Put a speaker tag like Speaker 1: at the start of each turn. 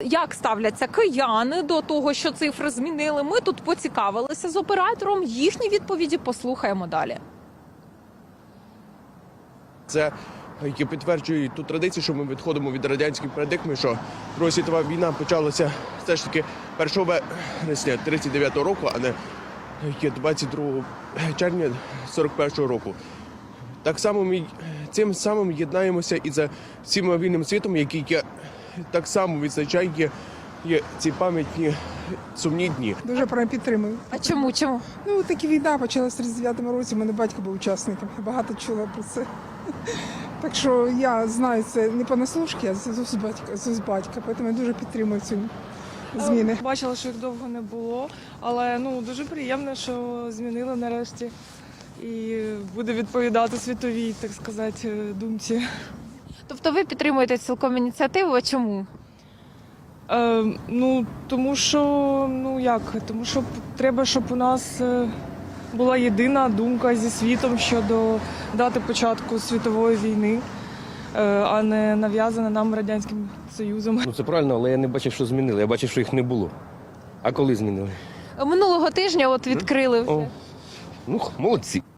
Speaker 1: Як ставляться кияни до того, що цифри змінили? Ми тут поцікавилися з оператором. Їхні відповіді послухаємо далі.
Speaker 2: Це які підтверджують ту традицію, що ми відходимо від радянської парадигми, що Друга світова війна почалася все ж таки 1 вересня 39-го року, а не 22 червня 41-го року. Так само ми цим самим єднаємося і за всім вільним світом, який так само відзначає ці пам'ятні сумні дні.
Speaker 3: Дуже прям підтримую.
Speaker 1: А чому?
Speaker 3: Ну, таки війна почалася в 39-му році, у мене батько був учасником, я багато чула про це. Так що я знаю це не понаслушки, а з батька, тому я дуже підтримую ці зміни.
Speaker 4: Бачила, що їх довго не було, але дуже приємно, що змінили нарешті і буде відповідати світовій, так сказати, думці.
Speaker 1: Тобто ви підтримуєте цілком ініціативу, а чому?
Speaker 4: Тому що треба, щоб у нас була єдина думка зі світом щодо дати початку світової війни, а не нав'язана нам Радянським Союзом.
Speaker 5: Це правильно, але я не бачив, що змінили. Я бачив, що їх не було. А коли змінили?
Speaker 1: Минулого тижня відкрили вже.
Speaker 5: Молодці.